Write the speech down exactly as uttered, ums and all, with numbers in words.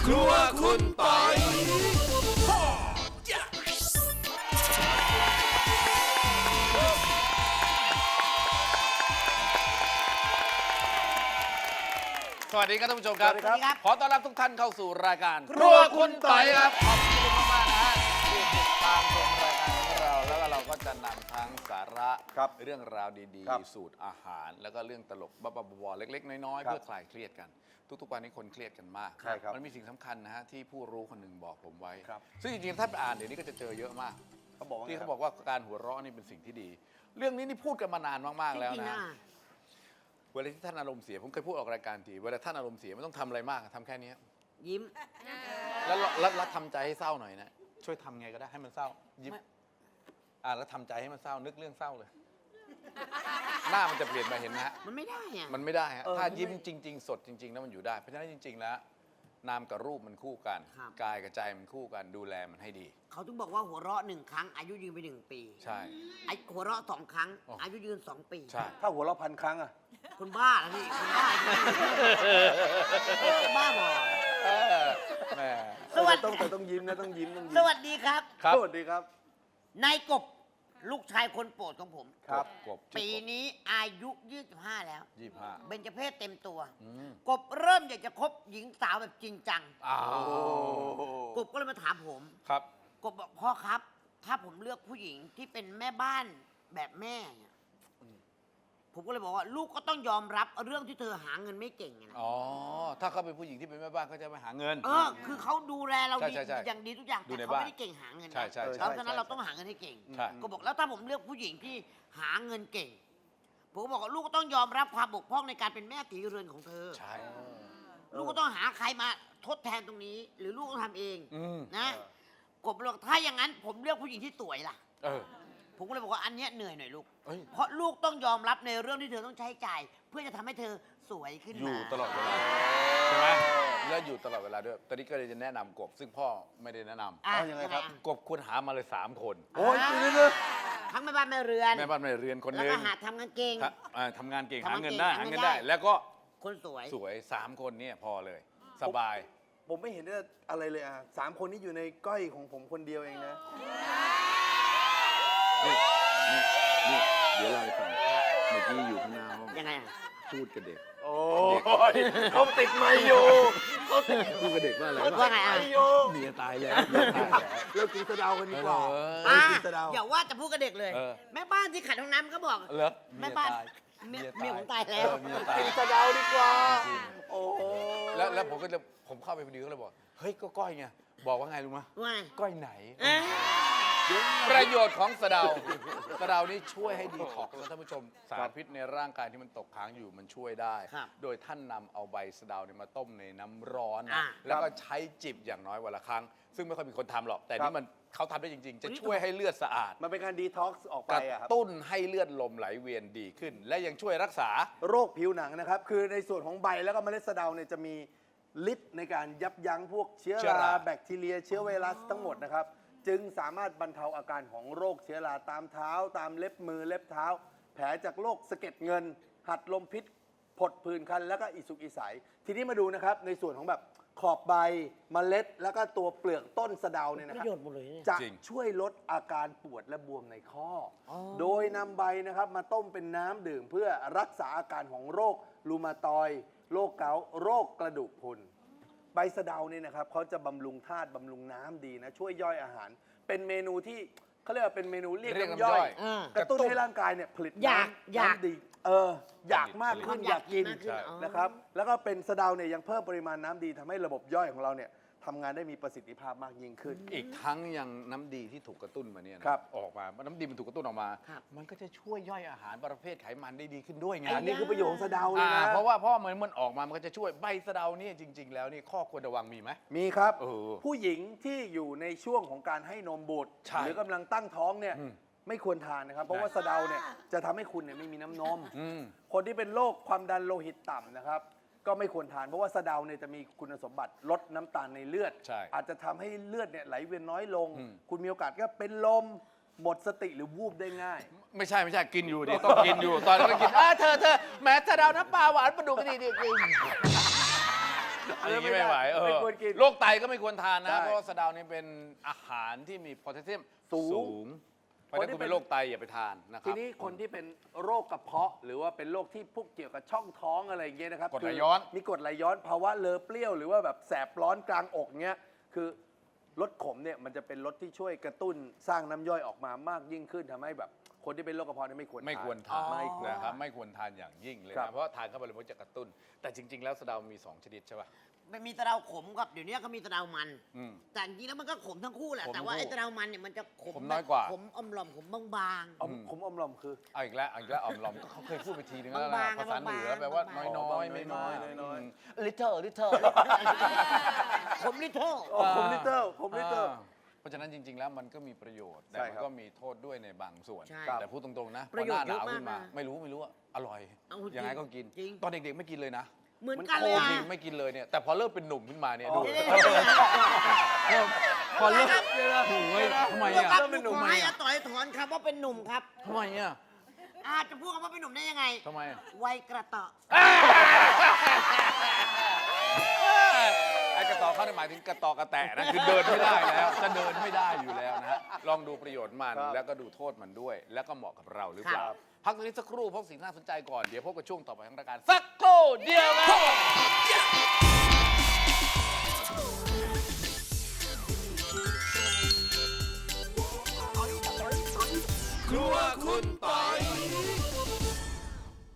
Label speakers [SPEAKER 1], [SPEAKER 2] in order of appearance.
[SPEAKER 1] ครัวคุณปอยสวัสดีครับท่านผู้ชมครับ
[SPEAKER 2] สวัสดีครับ
[SPEAKER 1] ขอต้อนรับทุกท่านเข้าสู่รายการครัวคุณปอยครับขอบคุณมากๆนะฮะที่ติดตามชมรายการของเราแล้วก็เราก็จะนำทั้งสาระเรื่องราวดีๆสูตรอาหารแล้วก็เรื่องตลกบ้าๆบอๆเล็กๆน้อยๆเพื่อคลายเครียดกันทุกๆวันนี้คนเครียดกันมากมันมีสิ่งสำคัญนะฮะที่ผู้รู้คนหนึ่งบอกผมไว้ซึ่งจริงๆถ้าไปอ่านเดี๋ยวนี้ก็จะเจอเยอะมากที่เขาบอกว่าการหัวเราะนี่เป็นสิ่งที่ดีเรื่องนี้นี่พูดกันมานานมากๆแล้วนะเวลาที่ท่านอารมณ์เสียผมเคยพูดออกรายการทีเวลาท่านอารมณ์เสียไม่ต้องทำอะไรมากทำแค่นี้
[SPEAKER 2] ยิ้ม
[SPEAKER 1] แล้วแล้วแล้วทำใจให้เศร้าหน่อยนะช่วยทำไงก็ได้ให้มันเศร้ายิ้มอ่าแล้วทำใจให้มันเศร้านึกเรื่องเศร้าเลยหน้ามันจะเปลี่ยนไปเห็นไหมฮะ
[SPEAKER 2] มันไม่ได้อะ
[SPEAKER 1] มันไม่ได้ฮะถ้ายิ้มจริงๆสดจริงๆแล้วมันอยู่ได้เพราะฉะนั้นจริงๆแล้วนามกับรูปมันคู่กันกายกับใจมันคู่กันดูแลมันให้ดี
[SPEAKER 2] เขาถึงบอกว่าหัวเราะหนึ่งครั้งอายุยืนไปหนึ่งปี
[SPEAKER 1] ใช่
[SPEAKER 2] ไอ้หัวเราะสองครั้งอายุยืนสองปี
[SPEAKER 1] ใช่
[SPEAKER 3] ถ้าหัวเราะพันครั้งอะ
[SPEAKER 2] คุณบ้าแล้วพี่คุณบ้าบ้าบอ
[SPEAKER 1] แม่
[SPEAKER 3] สวัสดีต้องแต่ต้องยิ้มนะต้องยิ้มต้องยิ้ม
[SPEAKER 2] สวัสดีครับ
[SPEAKER 3] สวัสดีครับ
[SPEAKER 2] นายกบลูกชายคนโปรดของผม
[SPEAKER 1] ครับกบ
[SPEAKER 2] ปีนี้อายุยี่สิบห้าแล้ว
[SPEAKER 1] ยี่สิบห้า
[SPEAKER 2] เบญจเพศเต็มตัวกบเริ่มอยากจะคบหญิงสาวแบบจริงจังกบก็เลยมาถามผม
[SPEAKER 1] ครับ
[SPEAKER 2] กบบอกพ่อครับถ้าผมเลือกผู้หญิงที่เป็นแม่บ้านแบบแม่เนี่ยผมก็เลยบอกว่าลูกก็ต้องยอมรับเรื่องที่เธอหาเงินไม่เก่งนะ
[SPEAKER 1] อ๋อถ้าเขาเป็นผู้หญิงที่เป็นแม่บ้านเขาจะไปหาเงิน
[SPEAKER 2] เออคือเขาดูแลเราดีอย่างดีทุกอย่างแต่เขาไม่ได้เก่งหาเงิน
[SPEAKER 1] ใช่ใช่
[SPEAKER 2] เพราะฉะนั้นเราต้องหาเงินให้เก่งก็บอกแล้วถ้าผมเลือกผู้หญิงที่หาเงินเก่งผมก็บอกว่าลูกก็ต้องยอมรับความบกพร่องในการเป็นแม่ตีเรือนของเธอ
[SPEAKER 1] ใช่
[SPEAKER 2] ลูกก็ต้องหาใครมาทดแทนตรงนี้ หรือลูกต้องทำเองนะกบบอกถ้าอย่างนั้นผมเลือกผู้หญิงที่สวยล่ะผมก็เลยบอกว่าอันนี้เหนื่อยหน่อยลูกเพราะลูกต้องยอมรับในเรื่องที่เธอต้องใช้จ่ายเพื่อจะทำให้เธอสวยขึ้นมา
[SPEAKER 1] อยู่ตลอดเวลาใช่ไหมแล้วอยู่ตลอดเวลาด้วยตอนนี้ก็เลยจะแนะนำกบซึ่งพ่อไม่ได้แนะนำ
[SPEAKER 2] อ่ะยังไงครับ
[SPEAKER 1] กบควรหามาเลยสามคน
[SPEAKER 3] โอ้ยเรื่อย
[SPEAKER 2] ๆทั้งแม่บ้านแม่เรือน
[SPEAKER 1] แม่บ้านแม่เรือนคนนึง
[SPEAKER 2] แล้วก็หาทำงานเก่ง
[SPEAKER 1] ทำงานเก่งหาเงินได้หาเงินได้แล้วก็
[SPEAKER 2] คนสวย
[SPEAKER 1] สวยสามคนเนี่ยพอเลยสบาย
[SPEAKER 3] ผมไม่เห็นอะไรเลยอ่ะสามคนนี้อยู่ในก้อยของผมคนเดียวเองนะ
[SPEAKER 1] นี่นี่เดี๋ยวเราไปฟังเมื่อกี้อยู่ข้างหน้าห้อง
[SPEAKER 2] ยังไงอ่ะ
[SPEAKER 1] พูดกับเด็ก
[SPEAKER 3] โอ้ยเขาติดไมค์อยู่เขาติด
[SPEAKER 1] พูดกับเด็กว่าอะไร
[SPEAKER 2] ว่าไงอ่ะ
[SPEAKER 1] เมียตายแล้ว
[SPEAKER 3] เรากินสะเดากันดีกว่า
[SPEAKER 2] อย่าว่าจะพูดกับเด็กเลยแม่บ้านที่ขัดห้องน้ำก็บอกแม่บ้านเมียผมตายแล้ว
[SPEAKER 3] กินสะเดาดีกว่าโอ้
[SPEAKER 1] แล้วแล้วผมก็เลยผมเข้าไปพอดีก็เลยบอกเฮ้ยก็ก้อยไงบอกว่าไงรู้ไหม
[SPEAKER 2] ว่า
[SPEAKER 1] ก้อยไหนประโยชน์ของสะเดาสะเดานี่ช่วยให้ดีท็อกซ์นะท่านผู้ชมสารพิษในร่างกายที่มันตกค้างอยู่มันช่วยได้โดยท่านนำเอาใบสะเดาเนี่ยมาต้มในน้ำร้อนแล้วก็ใช้จิบอย่างน้อยวันละครั้งซึ่งไม่ค่อยมีคนทำหรอกแต่นี่มันเขาทำได้จริงๆจะช่วยให้เลือดสะอาด
[SPEAKER 3] มันเป็นการดีท็อกซ์ออกไป
[SPEAKER 1] กระตุ้นให้เลือดลมไหลเวียนดีขึ้นและยังช่วยรักษา
[SPEAKER 3] โรคผิวหนังนะครับคือในส่วนของใบแล้วก็เมล็ดสะเดาเนี่ยจะมีฤทธิ์ในการยับยั้งพวกเชื้อราแบคทีเรียเชื้อไวรัสทั้งหมดนะครับจึงสามารถบรรเทาอาการของโรคเชื้อราตามเท้าตามเล็บมือเล็บเท้าแผลจากโรคสะเก็ดเงินหัดลมพิษผดผื่นคันแล้วก็อิสุกอิสัยทีนี้มาดูนะครับในส่วนของแบบขอบใบเมล็ดแล้วก็ตัวเปลือกต้นสะเดาเนี่ยนะครับจะช่วยลดอาการปวดและบวมในข้อโดยนำใบนะครับมาต้มเป็นน้ำดื่มเพื่อรักษาอาการของโรครูมาตอยด์โรคเกาต์โรคกระดูกพรุนใบสะเดาเนี่ยนะครับเขาจะบำรุงธาตุบำรุงน้ำดีนะช่วยย่อยอาหารเป็นเมนูที่เขาเรียกว่าเป็นเมนูเรียกน้ำย่อยกระตุ้นให้ร่างกายเนี่ยผลิตน้ำน้ำดีเอออยากมากขึ้นอยากกินนะครับแล้วก็เป็นสะเดาเนี่ยยังเพิ่มปริมาณน้ำดีทำให้ระบบย่อยของเราเนี่ยทำงานได้มีประสิทธิภาพมากยิ่งขึ้น
[SPEAKER 1] อีกทั้งยังน้ำดีที่ถูกกระตุ้นมาเนี่ยออกมาน้ำดีมันถูกกระตุ้นออกมามันก็จะช่วยย่อยอาหารประเภทไขมันได้ดีขึ้นด้วยไง
[SPEAKER 3] อันนี้คือประโยชน์ของสะเดาเลยนะ
[SPEAKER 1] เพราะว่าเพราะเหมือนมันออกมามันก็จะช่วยใบสะเดานี่จริงๆแล้วนี่ข้อควรระวังมีไหม
[SPEAKER 3] มีครับผู้หญิงที่อยู่ในช่วงของการให้นมบุตรหรือกำลังตั้งท้องเนี่ยไม่ควรทานนะครับเพราะว่าสะเดาเนี่ยจะทำให้คุณเนี่ยไม่มีน้ำนมคนที่เป็นโรคความดันโลหิตต่ำนะครับก็ไม่ควรทานเพราะว่าสะเดาเนี่ยจะมีคุณสมบัติลดน้ำตาลในเลือดอาจจะทำให้เลือดเนี่ยไหลเวียนน้อยลงคุณมีโอกาสก็เป็นลมหมดสติหรือวูบได้ง่าย
[SPEAKER 1] ไม่ใช่ไม่ใช่กินอยู่ดิต้องกินอยู่ตอนนั้นกินเออเธอเธอแหมสะเดาน้ำปลาหวานปลาดุกนี่ดิอย่างนี้ไม่ไหวเออ
[SPEAKER 3] ไม่ควรกิน
[SPEAKER 1] โรคไตก็ไม่ควรทานนะ
[SPEAKER 3] ใช่
[SPEAKER 1] เพราะว่าสะเดานี่เป็นอาหารที่มีโพแทสเซียม
[SPEAKER 3] สูง
[SPEAKER 1] สูงเพราะฉะนั้นคุณเป็นโรคไตอย่าไปทานนะค
[SPEAKER 3] ที
[SPEAKER 1] รับ
[SPEAKER 3] นี้คนที่เป็นโรคกระเพาะ หรือว่าเป็นโรคที่พวกเกี่ยวกับช่องท้องอะไรอย่างเงี้ยนะครับ
[SPEAKER 1] กรดไหล
[SPEAKER 3] คื
[SPEAKER 1] ย้อน
[SPEAKER 3] มีกรดไหลย้อนภาวะเลอเปรี้ยวหรือว่าแบบแสบร้อนกลางอกเงี้ยคือรสขมเนี่ยมันจะเป็นรสที่ช่วยกระตุ้นสร้างน้ำย่อยออกมามากยิ่งขึ้นทำให้แบบคนที่เป็นโรคกระเพาะเนี่ยไม่ควร
[SPEAKER 1] ไม่ควรทาน
[SPEAKER 3] ไม่ควร
[SPEAKER 1] นะครับ
[SPEAKER 3] ทาน
[SPEAKER 1] ไม่ควรทานอย่างยิ่งเลย
[SPEAKER 3] ครั
[SPEAKER 1] นะ
[SPEAKER 3] บ
[SPEAKER 1] เพราะทานเข้าไปเลยมันจะกระตุ้น แต่จริง ๆ แล้วสะเดามีสองชนิดใช่ป่ะ
[SPEAKER 2] มันมีตะเดาขมกับเดี๋ยวนี้ก็มีตะเดามัน
[SPEAKER 1] อืม
[SPEAKER 2] แต่จริงๆแล้วมันก็ขมทั้งคู่แหละ
[SPEAKER 1] ขม
[SPEAKER 2] แต่ว่า
[SPEAKER 1] ทั้งคู่
[SPEAKER 2] ไอ้ตะเดามันเนี่ยมันจะขม
[SPEAKER 1] ขมน้อยกว่า
[SPEAKER 2] แบบขมอมหล่อมขมบาง
[SPEAKER 3] อมขมอมลอมคือ
[SPEAKER 1] เอาอีกแล้วเอาอีกแล้วออมลอมก็เขาเคยพูดไปทีนึงแล้วนะ
[SPEAKER 2] บางๆ
[SPEAKER 1] ภาษาเหนือ
[SPEAKER 2] ๆ
[SPEAKER 1] แปลว่า
[SPEAKER 2] บางๆ
[SPEAKER 1] น้อยๆ ไม่มาก
[SPEAKER 3] น้อยๆ
[SPEAKER 1] ลิเทอร์ลิเทอร์
[SPEAKER 2] ๆขมลิเทิล
[SPEAKER 3] โอ้ขมลิเตอร์ขมลิเตอร์
[SPEAKER 1] เพราะฉะนั้นจริง ๆ แล้วมันก็มีประโยชน์ แต่
[SPEAKER 3] ใช่
[SPEAKER 1] มัน
[SPEAKER 3] ครับ
[SPEAKER 1] ก็มีโทษด้วยในบางส่วน
[SPEAKER 2] ใช่
[SPEAKER 1] แต่พูดตรงๆนะพ
[SPEAKER 2] ประ
[SPEAKER 1] อ
[SPEAKER 2] โย
[SPEAKER 1] ห
[SPEAKER 2] ช
[SPEAKER 1] น้า
[SPEAKER 2] น์
[SPEAKER 1] หนาว
[SPEAKER 2] เยอะมาก
[SPEAKER 1] ขึ้นมา
[SPEAKER 2] นะ
[SPEAKER 1] ไม่รู้ไม่รู้ว่าอร่อย
[SPEAKER 2] เอาจริง
[SPEAKER 1] ยังไงก็กิน
[SPEAKER 2] จริง
[SPEAKER 1] ตอนเด็กๆไม่กินเลยนะ
[SPEAKER 2] เหมือนกันเลย
[SPEAKER 1] โอ้
[SPEAKER 2] อ่ะ
[SPEAKER 1] จริงไม่กินเลยเนี่ยแต่พอเริ่มเป็นหนุ่มขึ้นมาเนี่ยดู
[SPEAKER 2] เดี๋ยว
[SPEAKER 1] พอเริ่มโอ้ยทำไม
[SPEAKER 2] ลูก
[SPEAKER 1] อ่ะ
[SPEAKER 2] ครับ
[SPEAKER 3] เป็นหนุ่ม
[SPEAKER 2] ขอให้อาต่อยถอนคำว่าเป็นหนุ่มครับ
[SPEAKER 1] ทำไมอ่ะ
[SPEAKER 2] อาจจะพูดคำว่าเป็นหนุ่มได้ยังไง
[SPEAKER 1] ทำไมอ่ะ
[SPEAKER 2] วัยกระเตาะ
[SPEAKER 1] ไอ้กระต่อเขาหมายถึงกระต่อกระแตะนะคือเดินไม่ได้แล้วจะเดินไม่ได้อยู่แล้วนะฮะลองดูประโยชน์มัน
[SPEAKER 3] ครับ
[SPEAKER 1] แล้วก็ดูโทษมันด้วย แล้วก็เหมาะกับเราหรือเปล่า
[SPEAKER 3] ครับ
[SPEAKER 1] พักตรงนี้สักครู่พบสิ่งน่าสนใจก่อนเดี๋ยวพบกับช่วงต่อไปของรายการสักครู่เดียวครับ